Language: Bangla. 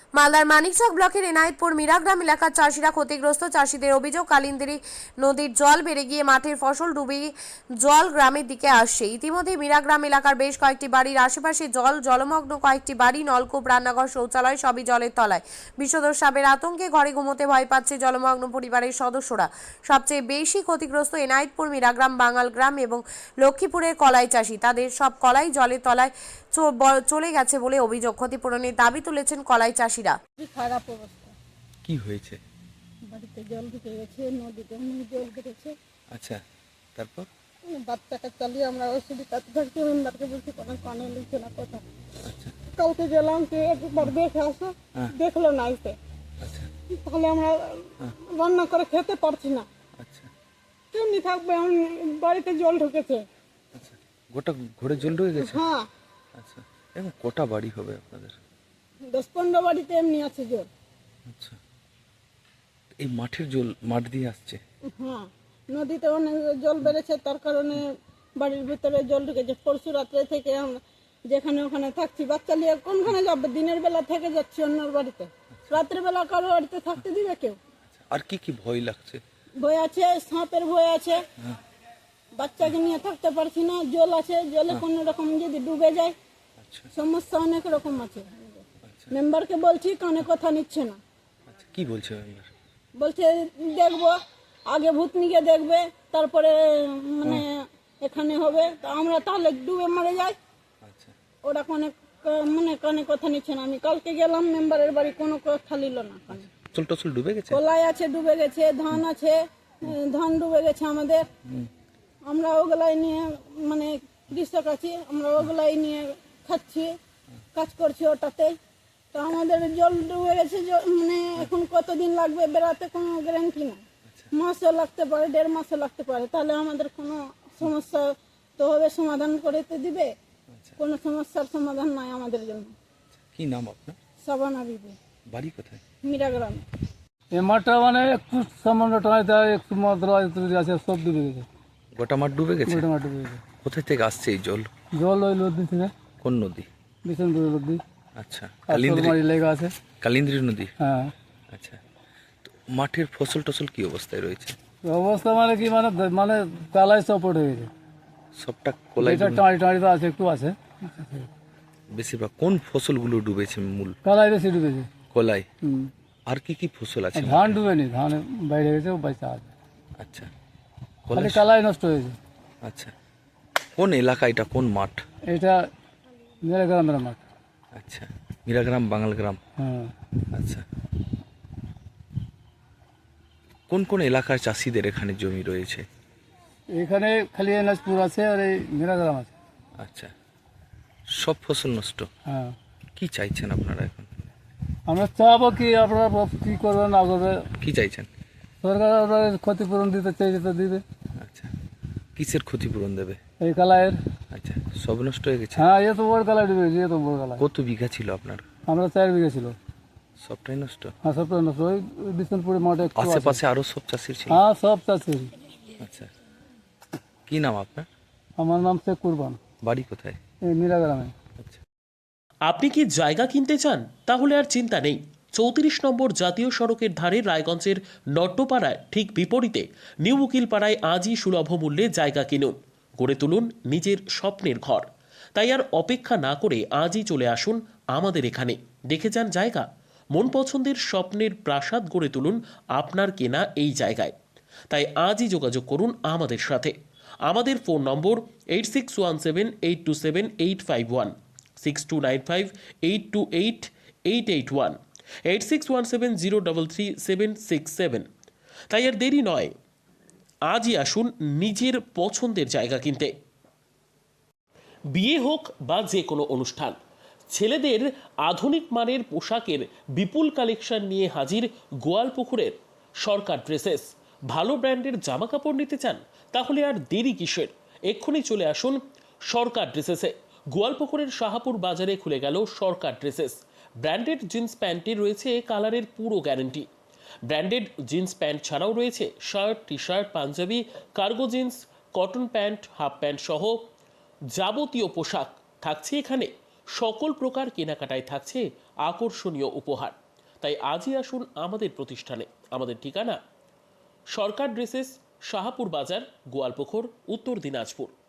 মালদার মানিকচক ব্লকের এনায়েতপুর মীরাগ্রাম এলাকার চাষিরা ক্ষতিগ্রস্ত। চাষিদের অভিযোগ, কালিন্দী নদীর জল বেড়ে গিয়ে মাঠের ফসল ডুবে জল গ্রামের দিকে আসছে। ইতিমধ্যে মীরাগ্রাম এলাকার বেশ কয়েকটি বাড়ির আশেপাশে জলমগ্ন, কয়েকটি বাড়ি, নলকূপ, রান্নাঘর, শৌচালয় সবই জলের তলায়। বিষধর সাপের আতঙ্কে ঘরে ঘুমোতে ভয় পাচ্ছে জলমগ্ন পরিবারের সদস্যরা। সবচেয়ে বেশি ক্ষতিগ্রস্ত এনায়েতপুর, মীরাগ্রাম, বাঙালগ্রাম এবং লক্ষ্মীপুরের কলাই চাষি। তাদের সব কলাই জলের তলায় চলে গেছে বলে অভিযোগ। ক্ষতিপূরণের দাবি তুলেছেন কলাই চাষিরা। খারাপ অবস্থা। কি হয়েছে? বাড়িতে জল ঢুকে গেছে, নদীতে অনেক জল বেড়েছে। আচ্ছা, তারপর? বাচ্চাটা চালিয়ে আমরা অসুবিধাতে থাকছি। মেম্বারকে বলছি কোনো কানে লিখছে না কথা। আচ্ছা কালকে গেলাম যে একবার দেখে আসো, দেখলো না এসে। আচ্ছা তাহলে আমরা রান্না করে খেতে পারছি না। আচ্ছা কেমনি থাকবে? এখন বাড়িতে জল ঢুকেছে। আচ্ছা, গোটা ঘরে জল ঢুকে গেছে? হ্যাঁ, আচ্ছা, এখন কটা বাড়ি হবে আপনাদের? 10-15 বাড়িতে এমনি আছে জল। আচ্ছা, এই মাঠের জল মাঠ দিয়ে আসছে? হ্যাঁ, নদীতে অনেক জল বেড়েছে, তার কারণে বাড়ির ভিতরে জল ঢুকেছে। পরশু রাত্রে থেকে আমরা যেখানে ওখানে থাকছি। বাচ্চা নিয়ে কোনখানে যাবে? দিনের বেলা থেকে যাচ্ছি অন্যর বাড়িতে, রাত্রে বেলা কারো বাড়িতে থাকতে দিবে কেউ? আর কি কি ভয় লাগছে? ভয় আছে, সাপের ভয় আছে, বাচ্চাকে নিয়ে থাকতে পারছি না। জল আছে, জলে কোনো রকম যদি ডুবে যায় আচ্ছা সমস্যা অনেক রকম আছে। আচ্ছা মেম্বারকে বলছি, কানে কথা নিচ্ছে না। আচ্ছা, কি বলছে মেম্বার? বলছে দেখবো, আগে ভূতনিকে দেখবে, তারপরে মানে এখানে হবে। তা আমরা তাহলে ডুবে মারা যাই। আচ্ছা ওরা কানে কথা নিচ্ছে না। আমি কালকে গেলাম মেম্বারের বাড়ি, কোনো কথা নিল না কানে। টসল টসল ডুবে গেছে? কলাই আছে ডুবে গেছে, ধান আছে, ধান ডুবে গেছে আমাদের। আমরা ওগুলাই নিয়ে মানে কৃষক আছি, আমরা ওগুলাই নিয়ে খাচ্ছি, কাজ করছি ওটাতে। তো আমাদের জল ডুবে গেছে, মানে এখন কতদিন লাগবে বেড়াতে কোনো গ্যারান্টি না। মাসও লাগতে পারে, 1.5 মাসও লাগতে পারে। তাহলে আমাদের কোনো সমস্যা তো হবে, সমাধান করে তো দিবে। কোনো সমস্যার সমাধান নাই আমাদের জন্য। কি নাম আপনার? সাবানা বিবি, বাড়ি কোথায়? মীরাগ্রাম। এই মাঠটা মানে একটু সামান্য টাকা দেয়, একটু মাত্র আছে, সব ডুবে গেছে। গোটা মাঠ ডুবে গেছে? গোটা মাঠ ডুবে গেছে। কোথায় থেকে আসছে এই জল? জল ওই নদী থেকে, কোন নদী? বিষ্ণুপুর নদী। আচ্ছা, আর কালিন্দ্রী? সরমারি লেগা আছে। কালিন্দ্রী নদী? হ্যাঁ। আচ্ছা, তো মাঠের ফসল টসল কি অবস্থায় রয়েছে? অবস্থা মানে কি, মানে মানে কালাই সপোর্ট হয়ে গেছে। সবটা কলাই এটা টাঁড়ি টাঁড়ি তো আছে, একটু আছে। বেশিরভাগ কোন ফসলগুলো ডুবেছে? মূল কালাই বেশি ডুবেছে। কলাই? হুম। আর কি কি ফসল আছে? ধান ডুবেনি, ধান বাইরে গেছে, বাইসা আছে। আচ্ছা, খালি কালাই নষ্ট হয়েছে। আচ্ছা, কোন এলাকা এটা? কোন মাঠ এটা মীরাগ্রামের মাঠ। আচ্ছা, মীরাগ্রাম, বাঙালগ্রাম। হ্যাঁ। আচ্ছা, কোন কোন এলাকার চাষিদের এখানে জমি রয়েছে? এখানে খালি এনাজপুর আছে আর এই মীরাগ্রাম আছে। আচ্ছা, সব ফসল নষ্ট। হ্যাঁ। কি চাইছেন আপনারা এখন? আমরা চাবো কি, আপনারা কি করবে না করবে, কি চাইছেন? সরকার ওদের ক্ষতিপূরণ দিতে চাইছে তো দিবে। আচ্ছা, কিসের ক্ষতিপূরণ দেবে? এই কালাইয়ের। আচ্ছা, সব নষ্ট হয়ে গেছে? হ্যাঁ, এত বড় কালাই ডুবে গেছে, এত বড় কালাই। কত বিঘা ছিল আপনার? আমরা 4 বিঘা ছিল। সবটাই নষ্ট? হ্যাঁ, সবটাই নষ্ট। ওই বিষ্ণুপুরের মাঠে একটু আছে। আশেপাশে আরো সব চাষির ছিল? হ্যাঁ, সব চাষি। আচ্ছা, কি নাম আপনার? আমার নাম শেখ কুরবান, বাড়ি কোথায়? এই মীরাগ্রামে। আচ্ছা, আপনি কি জায়গা কিনতে চান? তাহলে আর চিন্তা নেই। 34 নম্বর জাতীয় সড়কের ধারে রায়গঞ্জের নট্টপাড়ায় ঠিক বিপরীতে নিউ উকিলপাড়ায় আজই সুলভ মূল্যে জায়গা কিনুন, গড়ে তুলুন নিজের স্বপ্নের ঘর। তাই আর অপেক্ষা না করে আজই চলে আসুন আমাদের এখানে, দেখে যান জায়গা। মন পছন্দের স্বপ্নের প্রাসাদ গড়ে তুলুন আপনার কেনা এই জায়গায়। তাই আজই যোগাযোগ করুন আমাদের সাথে। আমাদের ফোন নম্বর 8617827851, 6295828881, 8617033767। তাই আর দেরি নয়, আজই আসুন নিজের পছন্দের জায়গা কিনতে। বিয়ে হোক বা যে কোনো অনুষ্ঠান, ছেলেদের আধুনিক মানের পোশাকের বিপুল কালেকশন নিয়ে হাজির গোয়ালপুকুরের সরকার ড্রেসেস। ভালো ব্র্যান্ডের জামা কাপড় নিতে চান? তাহলে আর দেরি কিসের? এক্ষুনি চলে আসুন সরকার ড্রেসেসে। গোয়ালপুকুরের শাহাপুর বাজারে খুলে গেল সরকার ড্রেসেস। ব্র্যান্ডেড জিন্স প্যান্টে রয়েছে কালারের পুরো গ্যারান্টি। ব্র্যান্ডেড জিন্স প্যান্ট ছাড়াও রয়েছে shirt, T shirt, panjabi, cargo jeans, cotton pant, half pant সহ যাবতীয় পোশাক থাকছে এখানে সকল প্রকার কেনাকাটায় থাকছে আকর্ষণীয় উপহার। তাই আজই আসুন আমাদের প্রতিষ্ঠানে। আমাদের ঠিকানা সরকার ড্রেসেস, শাহাপুর বাজার, গোয়ালপুকুর, উত্তর দিনাজপুর।